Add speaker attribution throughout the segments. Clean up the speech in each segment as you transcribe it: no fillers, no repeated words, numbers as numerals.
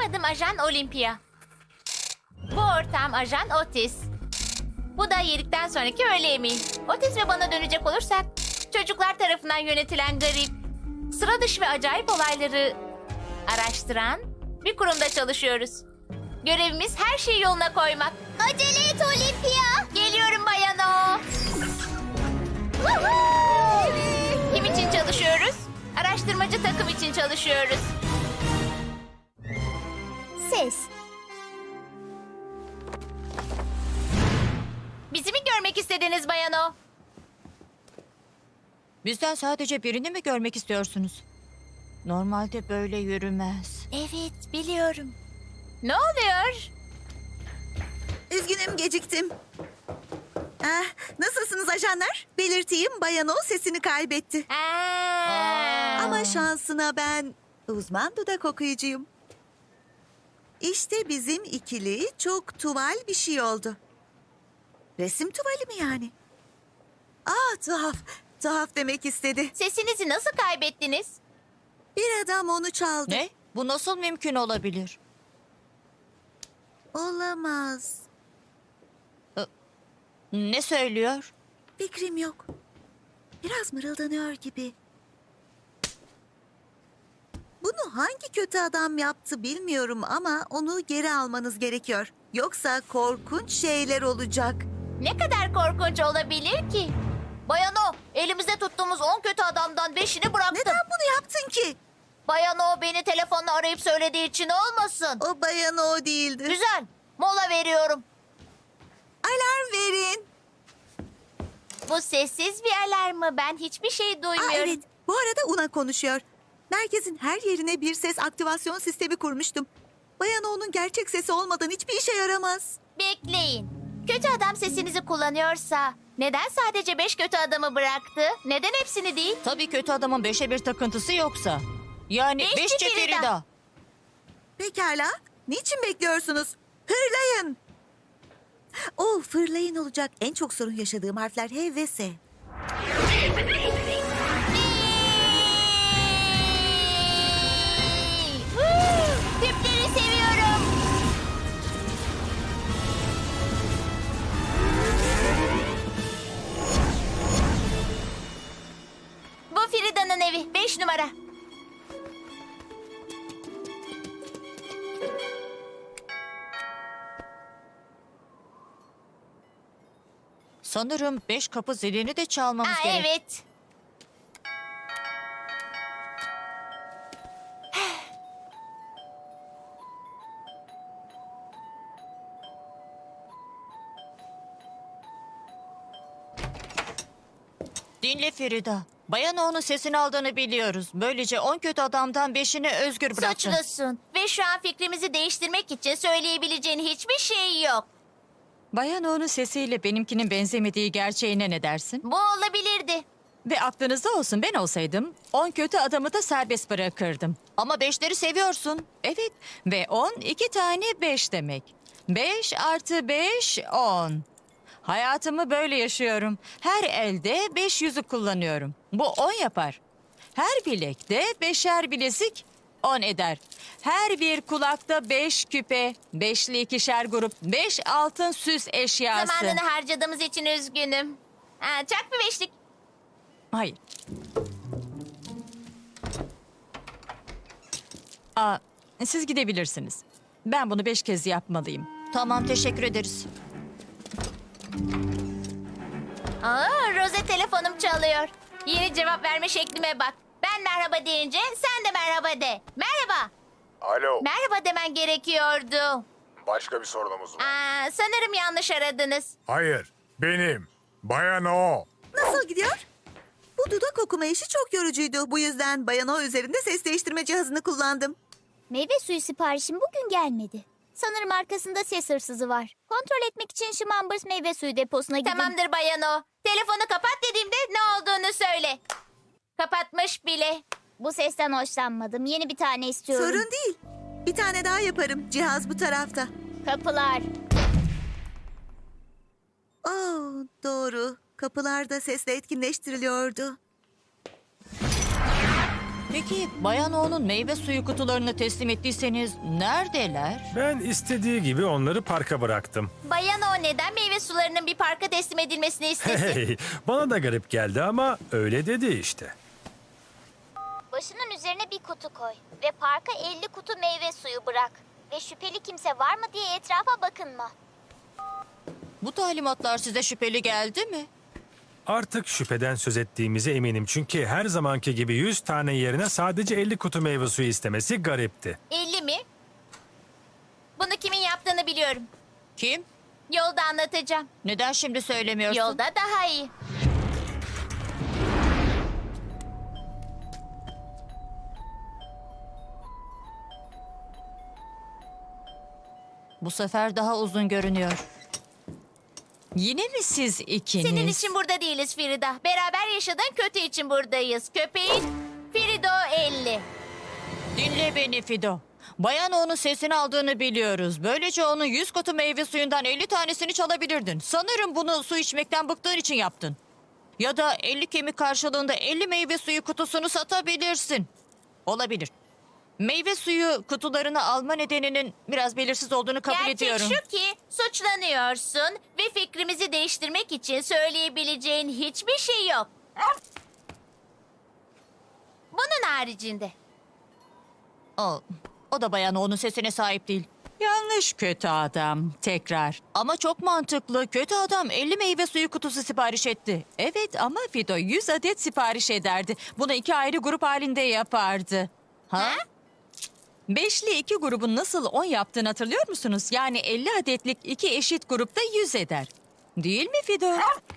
Speaker 1: adım Ajan Olympia. Bu ortağım Ajan Otis. Bu da yedikten sonraki öğle yemeği. Otis ve bana dönecek olursak, çocuklar tarafından yönetilen garip, sıra dışı ve acayip olayları araştıran bir kurumda çalışıyoruz. Görevimiz her şeyi yoluna koymak.
Speaker 2: Acele et Olympia.
Speaker 1: Geliyorum Bayan O. Kim için çalışıyoruz? Araştırmacı takım için çalışıyoruz.
Speaker 2: Ses.
Speaker 1: Bizi mi görmek istediniz Bayan O?
Speaker 3: Bizden sadece birini mi görmek istiyorsunuz? Normalde böyle yürümez.
Speaker 1: Evet, biliyorum. Ne oluyor?
Speaker 4: Üzgünüm geciktim. Nasılsınız ajanlar? Belirteyim Bayan O sesini kaybetti. Ama şansına ben uzman dudak okuyucuyum. İşte bizim ikili çok tuval bir şey oldu. Resim tuvali mi yani? Tuhaf. Tuhaf demek istedi.
Speaker 1: Sesinizi nasıl kaybettiniz?
Speaker 4: Bir adam onu çaldı.
Speaker 3: Ne? Bu nasıl mümkün olabilir?
Speaker 4: Olamaz.
Speaker 3: Ne söylüyor?
Speaker 4: Fikrim yok. Biraz mırıldanıyor gibi. Bunu hangi kötü adam yaptı bilmiyorum ama onu geri almanız gerekiyor. Yoksa korkunç şeyler olacak.
Speaker 1: Ne kadar korkunç olabilir ki? Bayan O, elimizde tuttuğumuz 10 kötü adamdan 5'ini bıraktım.
Speaker 4: Neden bunu yaptın ki?
Speaker 1: Bayan O beni telefonla arayıp söylediği için olmasın.
Speaker 4: O bayan o değildi.
Speaker 1: Güzel, mola veriyorum.
Speaker 4: Alarm verin.
Speaker 1: Bu sessiz bir alarm mı? Ben hiçbir şey duymuyorum.
Speaker 4: Evet, bu arada Una konuşuyor. Merkezin her yerine bir ses aktivasyon sistemi kurmuştum. Bayan O'nun gerçek sesi olmadan hiçbir işe yaramaz.
Speaker 1: Bekleyin. Kötü adam sesinizi kullanıyorsa neden sadece 5 kötü adamı bıraktı? Neden hepsini değil?
Speaker 3: Tabii kötü adamın 5'e 1 takıntısı yoksa. Yani
Speaker 1: Beşçi
Speaker 3: 5
Speaker 1: Ferida.
Speaker 3: Ferida.
Speaker 4: Pekala, niçin bekliyorsunuz? Hırlayın. Fırlayın olacak. En çok sorun yaşadığım harfler H ve S.
Speaker 1: Tüpleri seviyorum. Bu Frida'nın evi. 5 numara.
Speaker 3: Sanırım 5 kapı zilini de çalmamız gerek.
Speaker 1: Evet.
Speaker 3: Dinle Ferida. Bayan onun sesini aldığını biliyoruz. Böylece 10 kötü adamdan 5'ini özgür bıraktın.
Speaker 1: Suçlusun. Ve şu an fikrimizi değiştirmek için söyleyebileceğin hiçbir şey yok.
Speaker 5: Bayan O'nun sesiyle benimkinin benzemediği gerçeğine ne dersin?
Speaker 1: Bu olabilirdi.
Speaker 5: Ve aklınızda olsun, ben olsaydım 10 kötü adamı da serbest bırakırdım.
Speaker 3: Ama 5'leri seviyorsun.
Speaker 5: Evet, ve 10 2 tane 5 demek. 5 artı 5 10. Hayatımı böyle yaşıyorum. Her elde 5 yüzük kullanıyorum. Bu 10 yapar. Her bilekte 5'er bilezik 10 eder. Her bir kulakta 5 küpe, 5'li ikişer grup, 5 altın süs eşyası.
Speaker 1: Zamanını harcadığımız için üzgünüm. Çak bir 5'lik.
Speaker 5: Hayır. Siz gidebilirsiniz. Ben bunu 5 kez yapmalıyım.
Speaker 3: Tamam, teşekkür ederiz.
Speaker 1: Rose telefonum çalıyor. Yeni cevap verme şeklime bak. Ben merhaba deyince sen de merhaba de. Merhaba.
Speaker 6: Alo,
Speaker 1: Merhaba demen gerekiyordu.
Speaker 6: başka bir sorunumuz var.
Speaker 1: Sanırım yanlış aradınız.
Speaker 6: Hayır, benim. Bayan O.
Speaker 4: Nasıl gidiyor? Bu dudak okuma işi çok yorucuydu. Bu yüzden Bayan O üzerinde ses değiştirme cihazını kullandım.
Speaker 2: Meyve suyu siparişim bugün gelmedi. Sanırım arkasında ses hırsızı var. Kontrol etmek için Schmambers meyve suyu deposuna gidin.
Speaker 1: Tamamdır Bayan O. Telefonu kapat dediğimde ne olduğunu söyle. Kapatmış bile.
Speaker 2: Bu sesten hoşlanmadım. Yeni bir tane istiyorum.
Speaker 4: Sorun değil. Bir tane daha yaparım. Cihaz bu tarafta.
Speaker 2: Kapılar.
Speaker 4: Doğru. Kapılar da sesle etkinleştiriliyordu.
Speaker 5: Peki Bayan O'nun meyve suyu kutularını teslim ettiyseniz neredeler?
Speaker 7: Ben istediği gibi onları parka bıraktım.
Speaker 1: Bayan O neden meyve sularının bir parka teslim edilmesini istesin?
Speaker 7: Hey, bana da garip geldi ama öyle dedi işte.
Speaker 2: Başının üzerine bir kutu koy ve parka 50 kutu meyve suyu bırak. Ve şüpheli kimse var mı diye etrafa bakınma.
Speaker 5: Bu talimatlar size şüpheli geldi mi?
Speaker 7: Artık şüpheden söz ettiğimize eminim çünkü her zamanki gibi 100 tane yerine sadece 50 kutu meyve suyu istemesi garipti.
Speaker 1: 50 mi? Bunu kimin yaptığını biliyorum.
Speaker 5: Kim?
Speaker 1: Yolda anlatacağım.
Speaker 5: Neden şimdi söylemiyorsun?
Speaker 1: Yolda daha iyi.
Speaker 5: Bu sefer daha uzun görünüyor. Yine mi siz ikiniz?
Speaker 1: Senin için burada değiliz Frida. Beraber yaşadığın kötü için buradayız. Köpeğin Frido 50.
Speaker 5: Dinle beni Fido. Bayan O'nun sesini aldığını biliyoruz. Böylece onun 100 kutu meyve suyundan 50 tanesini çalabilirdin. Sanırım bunu su içmekten bıktığın için yaptın. Ya da 50 kemik karşılığında 50 meyve suyu kutusunu satabilirsin. Olabilir. Meyve suyu kutularını alma nedeninin biraz belirsiz olduğunu kabul
Speaker 1: Gerçek
Speaker 5: ediyorum.
Speaker 1: şu ki suçlanıyorsun ve fikrimizi değiştirmek için söyleyebileceğin hiçbir şey yok. Bunun haricinde.
Speaker 5: O da Bayan O'nun sesine sahip değil.
Speaker 3: Yanlış kötü adam. Tekrar.
Speaker 5: Ama çok mantıklı. Kötü adam 50 meyve suyu kutusu sipariş etti.
Speaker 3: Evet ama Fido 100 adet sipariş ederdi. Bunu 2 ayrı grup halinde yapardı.
Speaker 5: Ha?
Speaker 3: Beşli 2 grubun nasıl 10 yaptığını hatırlıyor musunuz? Yani 50 adetlik 2 eşit grupta 100 eder. Değil mi Fido?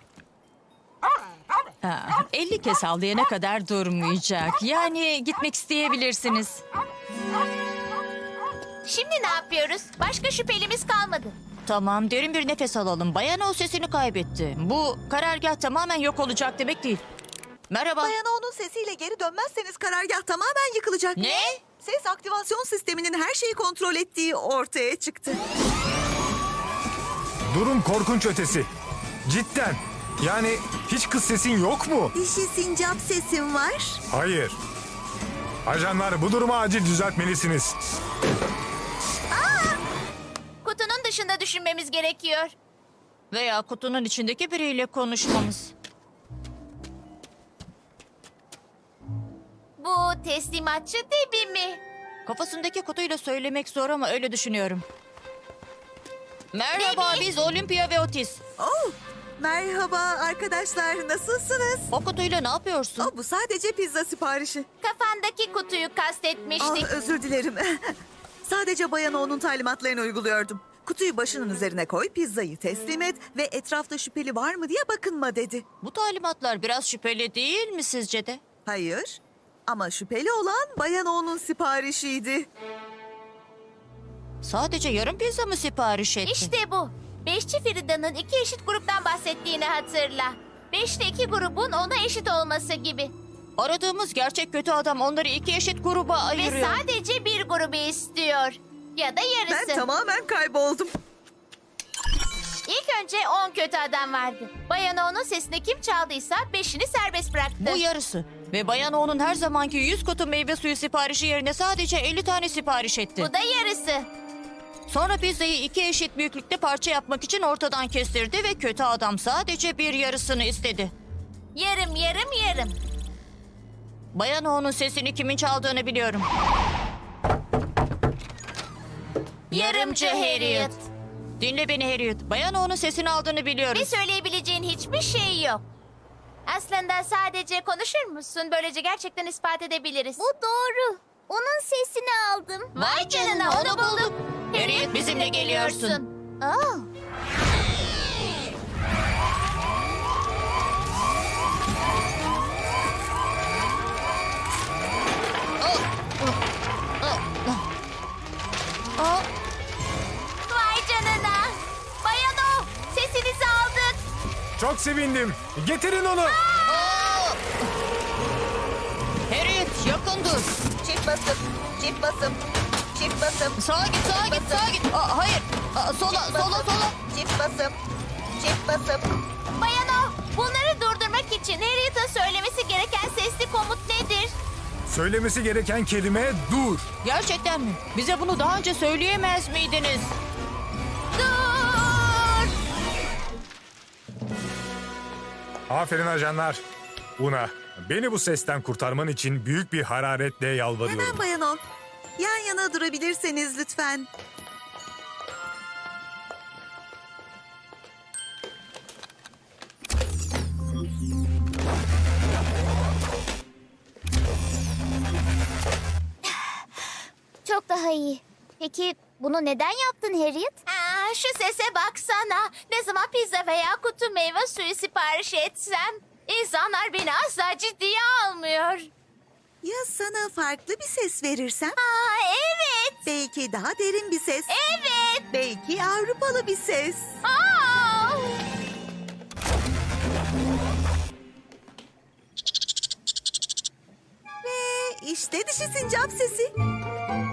Speaker 3: 50 kez havlayana kadar durmayacak. Yani gitmek isteyebilirsiniz.
Speaker 1: Şimdi ne yapıyoruz? Başka şüphelimiz kalmadı.
Speaker 5: Tamam, derin bir nefes alalım. Bayan O sesini kaybetti. Bu karargah tamamen yok olacak demek değil. Merhaba.
Speaker 4: Bayan O'nun sesiyle geri dönmezseniz karargah tamamen yıkılacak.
Speaker 5: Ne?
Speaker 4: Ses aktivasyon sisteminin her şeyi kontrol ettiği ortaya çıktı.
Speaker 6: Durum korkunç ötesi. Cidden. Yani hiç kız sesin yok mu?
Speaker 4: Dişi sincap sesim var.
Speaker 6: Hayır. Ajanlar, bu durumu acil düzeltmelisiniz.
Speaker 1: Kutunun dışında düşünmemiz gerekiyor.
Speaker 5: Veya kutunun içindeki biriyle konuşmamız.
Speaker 1: Bu teslimatçı Debbie mi?
Speaker 5: Kafasındaki kutuyla söylemek zor ama öyle düşünüyorum. Merhaba,
Speaker 1: Debbie.
Speaker 5: biz Olympia ve Otis.
Speaker 4: Oh, merhaba arkadaşlar, nasılsınız?
Speaker 5: O kutuyla ne yapıyorsun?
Speaker 4: Oh, bu sadece pizza siparişi.
Speaker 1: Kafandaki kutuyu kastetmiştik.
Speaker 4: Ah, özür dilerim. Sadece Bayan O'nun talimatlarını uyguluyordum. Kutuyu başının üzerine koy, pizzayı teslim et ve etrafta şüpheli var mı diye bakınma dedi.
Speaker 5: Bu talimatlar biraz şüpheli değil mi sizce de?
Speaker 4: Hayır. Ama şüpheli olan Bayan O'nun siparişiydi.
Speaker 5: Sadece yarım pizza mı sipariş etti?
Speaker 1: İşte bu. Beşçi Frida'nın 2 eşit gruptan bahsettiğini hatırla. 5'te 2 grubun ona eşit olması gibi.
Speaker 5: Aradığımız gerçek kötü adam onları 2 eşit gruba
Speaker 1: Ve
Speaker 5: ayırıyor.
Speaker 1: sadece bir grubu istiyor. Ya da yarısı.
Speaker 4: Ben tamamen kayboldum.
Speaker 1: İlk önce 10 kötü adam vardı. Bayan O'nun sesini kim çaldıysa 5'ini serbest bıraktı.
Speaker 5: Bu yarısı. Ve Bayan O'nun her zamanki 100 kutu meyve suyu siparişi yerine sadece 50 tane sipariş etti.
Speaker 1: Bu da yarısı.
Speaker 5: Sonra pizzayı 2 eşit büyüklükte parça yapmak için ortadan kestirdi ve kötü adam sadece bir yarısını istedi.
Speaker 1: Yarım yarım yarım.
Speaker 5: Bayan O'nun sesini kimin çaldığını biliyorum.
Speaker 1: Yarımcı Harriet.
Speaker 5: Dinle beni Harriet. Bayan O'nun sesini aldığını biliyoruz.
Speaker 1: Ve söyleyebileceğin hiçbir şey yok. Aslında sadece konuşur musun? Böylece gerçekten ispat edebiliriz.
Speaker 2: Bu doğru. Onun sesini aldım.
Speaker 1: Vay canına, onu bulduk.
Speaker 5: Harriet, bizimle geliyorsun.
Speaker 2: Aa,
Speaker 1: Vay canına. Bayan O, sesinizi aldık.
Speaker 6: Çok sevindim. Getirin onu.
Speaker 5: Harriet, yakın dur.
Speaker 4: Çift basım, çift basım, çift basım,
Speaker 5: Sağa git, sağa git, sağa git. Hayır. Sola, sola, sola.
Speaker 4: çift basım, çift basım.
Speaker 1: Bayan O, bunları durdurmak için Harriet'ın söylemesi gereken sesli komut nedir?
Speaker 6: Söylemesi gereken kelime dur.
Speaker 5: Gerçekten mi? Bize bunu daha önce söyleyemez miydiniz?
Speaker 1: Dur!
Speaker 6: Aferin ajanlar. Una, beni bu sesten kurtarman için büyük bir hararetle yalvarıyorum.
Speaker 4: Hemen Bayan O. Yan yana durabilirseniz lütfen.
Speaker 2: Çok daha iyi. Peki bunu neden yaptın Harriet?
Speaker 1: Şu sese baksana. Ne zaman pizza veya kutu meyve suyu sipariş etsem insanlar beni asla ciddiye almıyor.
Speaker 4: Ya sana farklı bir ses verirsem?
Speaker 1: Evet.
Speaker 4: Belki daha derin bir ses.
Speaker 1: Evet.
Speaker 4: Belki Avrupalı bir ses.
Speaker 1: Aa!
Speaker 4: Ve işte dişi sincap sesi.